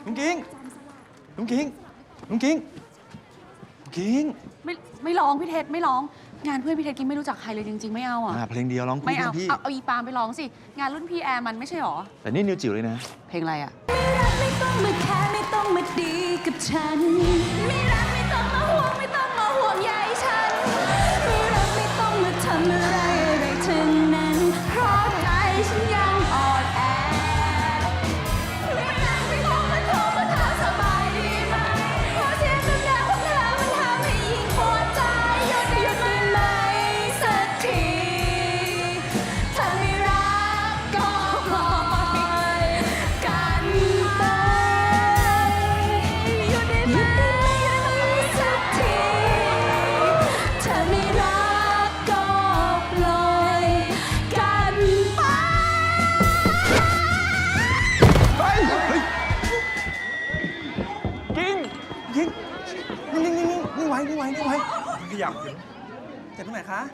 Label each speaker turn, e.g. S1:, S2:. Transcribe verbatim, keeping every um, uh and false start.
S1: ลุงกิ้งลุงกิ้งลุงกิ้งลุงกิ้ง
S2: ไม่ไม่ร้องพี่เทศไม่ร้องงานเพื่อนพี่เทศกิ้งไม่รู้จักใครเลยจริงๆไม่เอาอ่ะ
S1: เพลงเดียวร้องคู่
S2: ไม่เอา
S1: พี่
S2: เอาเอาอีปามไปร้องสิงานรุ่นพี่แอร์มันไม่ใช่หรอ
S1: แต่นี่นิวจิ๋วเลยนะ
S2: เพลงอะไรอ่ะ
S3: ไม่ต้องมาแค่ไม่ต้องมาดีกับฉันไม่รักไม่ต้องมาห่วงไม่ต้องมาห่วงใยฉันไม่รักไม่ต้องมาทำอะไรอะไรทั้งนั้นเพราะใจฉันยังอ่อนแอไม่รักไม่ต้องมาโทรมาถามสบายดีไหมเพราะเสียงดังๆของเธอมันทำให้ยิ่งปวดใจหยุดหยุดได้ไหมสักทีถ้าไม่รักก็ปล่อยกันไปหยุดได้ไหมสักทีถ้าไม่รักก็ปล่อยกันไป
S1: เฮ้ยกิ้งกิ้งนิ่งนิ่งนิ่งนิ่งไว้นิ่งไว้นิ่งไว้
S4: ขยับเจ็บตรงไหนคะ